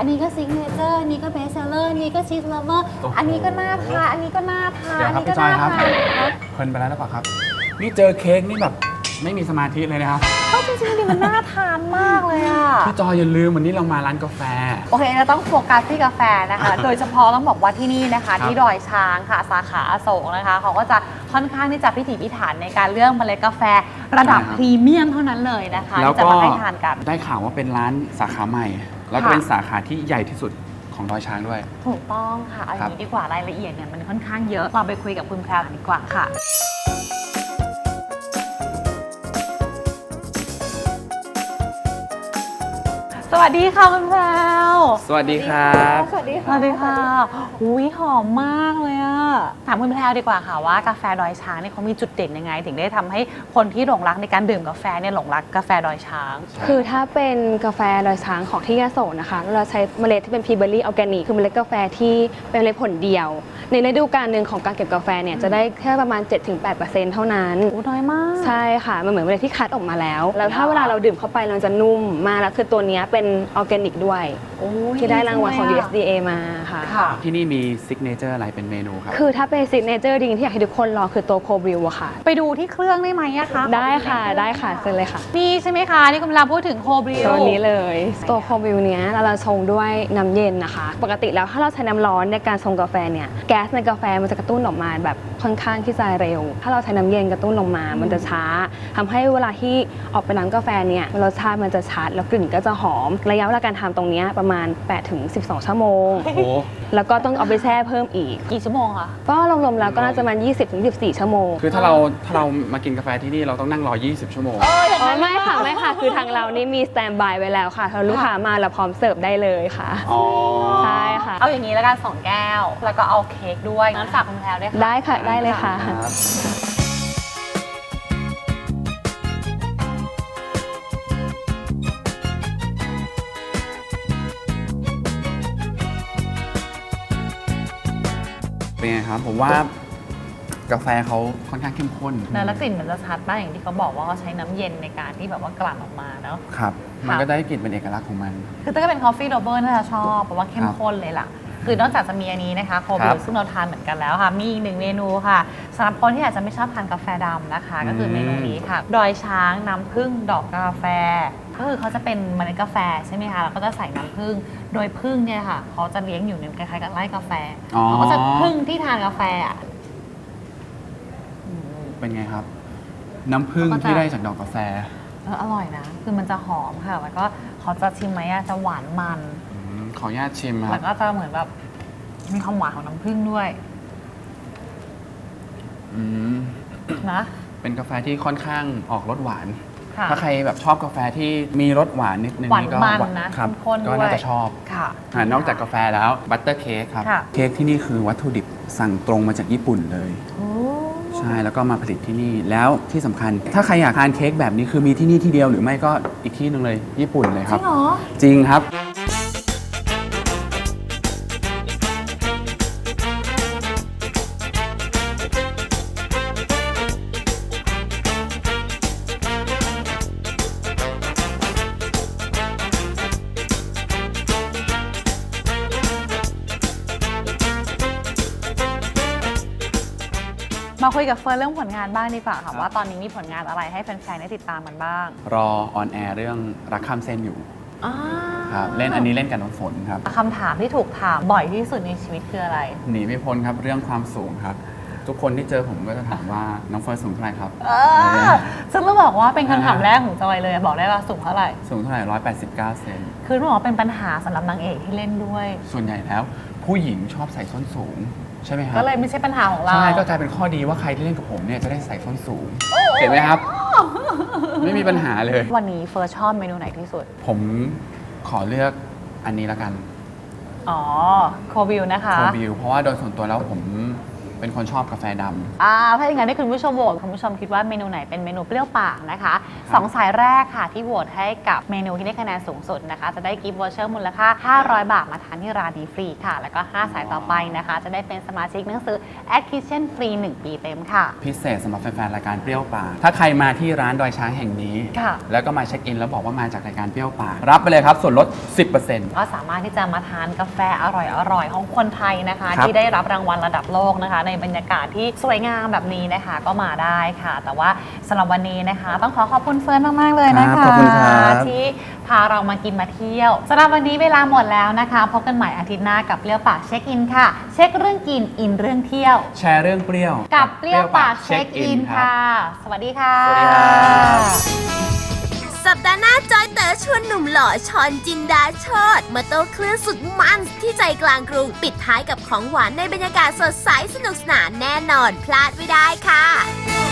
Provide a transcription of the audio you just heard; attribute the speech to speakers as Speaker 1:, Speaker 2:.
Speaker 1: อันนี้ก็ซิกเนเจอร์อันนี้ก็เบสเซลเลอร์อันนี้ก็ชีสเลเวอร์อันนี้ก็น่าทานอันนี้ก็น่าทาน
Speaker 2: เดี๋ยวครับพี่จอยครับเพลินไปแล้วหรือเปล่าครับนี่เจอเค้กนี่แบบไม่มีสมาธิเลยนะครับ
Speaker 1: ก็จริงๆดิมันน่าทานมากเลยอ่ะ
Speaker 2: พี่จอยอย่าลืมวันนี้เรามาร้านกาแฟ
Speaker 1: โอเคเราต้องโฟกัสที่กาแฟนะคะ โดยเฉพาะต้องบอกว่าที่นี่นะคะที่ดอยช้างค่ะสาขาอโศกนะคะเขาก็จะค่อนข้างที่จะพิถีพิถันในการเลือกเมล็ดกาแฟระดับพรีเมียมเท่านั้นเลยนะคะที่จะมาให้ทานกัน
Speaker 2: ได้ข่าวว่าเป็นร้านสาขาใหม่แล้วก็เป็นสาขาที่ใหญ่ที่สุดของดอยช้างด้วย
Speaker 1: ถูกต้องค่ะเอาอย่างนี้ดีกว่ารายละเอียดเนี่ยมันค่อนข้างเยอะเราไปคุยกับคุณแพรวดีกว่าค่ะสวัสดีค่ะคุณแพรว
Speaker 2: สวัสดีครับ
Speaker 1: สวัสดีค่ะสวัสดีค่ะอุ้ยหอมมากเลยอะถามคุณแพรวดีกว่าค่ะว่ากาแฟดอยช้างเนี่ยเขามีจุดเด่นยังไงถึงได้ทำให้คนที่หลงรักในการดื่มกาแฟเนี่ยหลงรักกาแฟดอยช้าง
Speaker 3: คือถ้าเป็นกาแฟดอยช้างของที่ยโสนะคะเราใช้เมล็ดที่เป็นพีเบอร์รี่ออร์แกนิกคือเมล็ดกาแฟที่เป็นเมล็ดผลเดียวในฤดูกาลหนึ่งของการเก็บกาแฟเนี่ยจะได้แค่ประมาณ 7-8% เท่านั้น
Speaker 1: น้อยมาก
Speaker 3: ใช่ค่ะมันเหมือนเมล็ดที่คัดออกมาแล้วถ้าเวลาเราดื่มเข้าไปเราจะนุ่มมากแล้วคือตัวนี้เป็นออร์แกนิกด้วยที่ได้รางวัลของ USDA มาค่ะ
Speaker 2: ที่นี่มีซิกเนเจอร์อะไรเป็นเมนูครับ
Speaker 3: คือถ้าเป็นซิกเนเจอร์จริงที่อยากให้ทุกคนลองคือตัวโคบริวอะค่ะ
Speaker 1: ไปดูที่เครื่องได้ไหมอะคะ
Speaker 3: ได้ค่ะได้ค่ะเชิญเลยค่ะ
Speaker 1: นี่ใช่ไหมคะนี่กำลังพูดถึงโคบริว
Speaker 3: ตัวนี้เลยตัวโคบริวเนี้ยเราชงด้วยน้ำเย็นนะคะปกติแล้วถ้าเราใช้น้ำร้อนในการชงกาแฟเนี่ยแก๊สในกาแฟมันจะกระตุ้นออกมาแบบค่อนข้างที่จะเร็วถ้าเราใช้น้ำเย็นกระตุ้นลงมามันจะช้าทำให้เวลาที่ออกเป็นน้ำกาแฟเนี่ยรสชาติมันจะชัดแล้วกลิ่นก็จะหอมระยะเวลาการทำตรงนี้ประมาณ 8-12 ชั่วโมงแล้วก็ต้องเอาไปแช่เพิ่มอีก
Speaker 1: กี่ชั่วโมงคะ
Speaker 3: ก็รวมๆแล้วก็น่าจะประมาณ 20-24 ชั่วโมง
Speaker 2: คือถ้าเรามากินกาแฟที่นี่เราต้องนั่งรอ20 ชั่วโมง
Speaker 3: ไม่ค่ะคือทางเรานี่มีสแตนด์บายไว้แล้วค่ะถ้าลูกค้ามาเราพร้อมเสิร์ฟได้เลยค่ะใช่ค่ะ
Speaker 1: เอาอย่างนี้แล้วกัน2 แก้วแล้วก็เอาเค้กด้วยงั้นฝากคุณแพรวด้วยค่ะ
Speaker 3: ได้ค่ะได้เลยค่ะ
Speaker 2: เป็นไงครับผมว่ากาแฟเขาค่อนข้างเข้มข้น
Speaker 1: แล้วกลิ่นมันจะชัดมากอย่างที่เขาบอกว่าเขาใช้น้ำเย็นในการที่แบบว่ากลั่นออกมาเนาะ
Speaker 2: ครับมันก็ได้กลิ่นเป็นเอกลักษณ์ของมัน
Speaker 1: คือถ้าก็เป็นคอฟฟี่โรเบอร์น่าจะชอบเพราะว่าเข้มข้นเลยล่ะคือนอกจากจะมีอันนี้นะคะโคบิลซึ่งเราทานเหมือนกันแล้วค่ะมีอีก1 เมนูค่ะสำหรับคนที่อาจจะไม่ชอบทานกาแฟดำนะคะก็คือเมนูนี้ค่ะดอยช้างน้ำผึ้งดอกกาแฟก็คือเขาจะเป็นเมล็ดกาแฟใช่ไหมคะแล้วก็จะใส่น้ำผึ้งโดยผึ้งเนี่ยค่ะเขาจะเลี้ยงอยู่ในคล้ายๆกับไร่กาแฟเขาก็จะผึ้งที่ทานกาแฟ
Speaker 2: เป็นไงครับน้ำผึ้งที่ได้จากดอกกาแฟ
Speaker 1: อร่อยนะคือมันจะหอมค่ะแล้วก็เขาจะชิมไหมจะหวานมัน
Speaker 2: ขออนุญาตชิมครับ
Speaker 1: แล้วก็จะเหมือนแบบมีความหวานของน้ำผึ้งด้วยนะ
Speaker 2: เป็นกาแฟที่ค่อนข้างออกรสหวานถ้าใครแบบชอบกาแฟที่มีรสหวานนิดนึง
Speaker 1: นี่ก็
Speaker 2: ครับก็น่าจะชอบนอกจากกาแฟแล้วบัตเตอร์เค้กครับเค้กที่นี่คือวัตถุดิบสั่งตรงมาจากญี่ปุ่นเลยใช่แล้วก็มาผลิตที่นี่แล้วที่สำคัญถ้าใครอยากทานเค้กแบบนี้คือมีที่นี่ที่เดียวหรือไม่ก็อีกที่นึงเลยญี่ปุ่นเลยครับจริงครับ
Speaker 1: มาคุยกับเฟิร์นเรื่องผลงานบ้างดีกว่าค่ะว่าตอนนี้มีผลงานอะไรให้แฟนๆได้ติดตามกันบ้าง
Speaker 2: รอออนแอร์เรื่องรักข้ามเส้นอยู่ครับเล่นอันนี้เล่นกับน้องฝนครับ
Speaker 1: คำถามที่ถูกถามบ่อยที่สุดในชีวิตคืออะไร
Speaker 2: หนีไม่พ้นครับเรื่องความสูงครับทุกคนที่เจอผมก็จะถามว่าน้องเฟิร์นสูงเท่าไหร่ครับ
Speaker 1: ซึ่งต้องบอกว่าเป็นคำถามแรกของจอยเลยบอกได้ว่าสูงเท่าไหร่
Speaker 2: สูงเท่าไหร่189 เซน
Speaker 1: คือต้องบอกว่าเป็นปัญหาสำหรับนางเอกที่เล่นด้วย
Speaker 2: ส่วนใหญ่แล้วผู้หญิงชอบใส่ส้นสูงใช่ไหมครับ
Speaker 1: ก็เลยไม่ใช่ปัญหาของเรา
Speaker 2: ใช่ก็กลายเป็นข้อดีว่าใครที่เล่นกับผมเนี่ยจะได้ใส่ส้นสูงเห็นไหมครับไม่มีปัญหาเลย
Speaker 1: วันนี้เฟิร์สชอบเมนูไหนที่สุด
Speaker 2: ผมขอเลือกอันนี้ละกัน
Speaker 1: โคบิลนะคะ
Speaker 2: โคบิลเพราะว่าโดยส่วนตัวแล้วผมเป็นคนชอบกาแฟดำ
Speaker 1: ถ้าอย่างนั้นให้คุณผู้ชมโหวตคุณผู้ชมคิดว่าเมนูไหนเป็นเมนูเปรี้ยวปากนะคะ2 สายแรกค่ะที่โหวตให้กับเมนูที่ได้คะแนนสูงสุดนะคะจะได้กิฟต์วอเชอร์มูลค่า500 บาทมาทานที่ร้านนี้ฟรีค่ะแล้วก็5 สายต่อไปนะคะจะได้เป็นสมาชิกหนังสือ At Kitchen ฟรี 1 ปีเต็มค่ะ
Speaker 2: พิเศษสำหรับแฟนๆรายการเปรี้ยวปากถ้าใครมาที่ร้านดอยช้างแห่งนี้แล้วก็มาเช็คอินแล้วบอกว่ามาจากรายการเปรี้ยวปากรับไปเลยครับส่วนลด 10%
Speaker 1: ก็สามารถที่จะมาทานกาแฟอร่อยๆของคนไทยนะคะที่ได้รับรางวัลระดับโลกนะคะในบรรยากาศที่สวยงามแบบนี้นะคะก็มาได้ค่ะแต่ว่าสำหรับวันนี้นะคะต้องขอบคุณเฟิร์นมากๆเลยนะคะที่พาเรามากินมาเที่ยวสำหรับวันนี้เวลาหมดแล้วนะคะพบกันใหม่อาทิตย์หน้ากับเปรี้ยวปากเช็คอินค่ะเช็คเรื่องกินอินเรื่องเที่ยว
Speaker 2: แชร์เรื่องเปรี้ยว
Speaker 1: กับเปรี้ยวปากเช็คอินค่ะสวัสดีค่ะ
Speaker 2: สวัสดีครับ
Speaker 4: สัปดาห์หน้าจอยเต๋อชวนหนุ่มหล่อชอนจินดาโชติมาโต้คลื่นสุดมันที่ใจกลางกรุงปิดท้ายกับของหวานในบรรยากาศสดใสสนุกสนานแน่นอนพลาดไม่ได้ค่ะ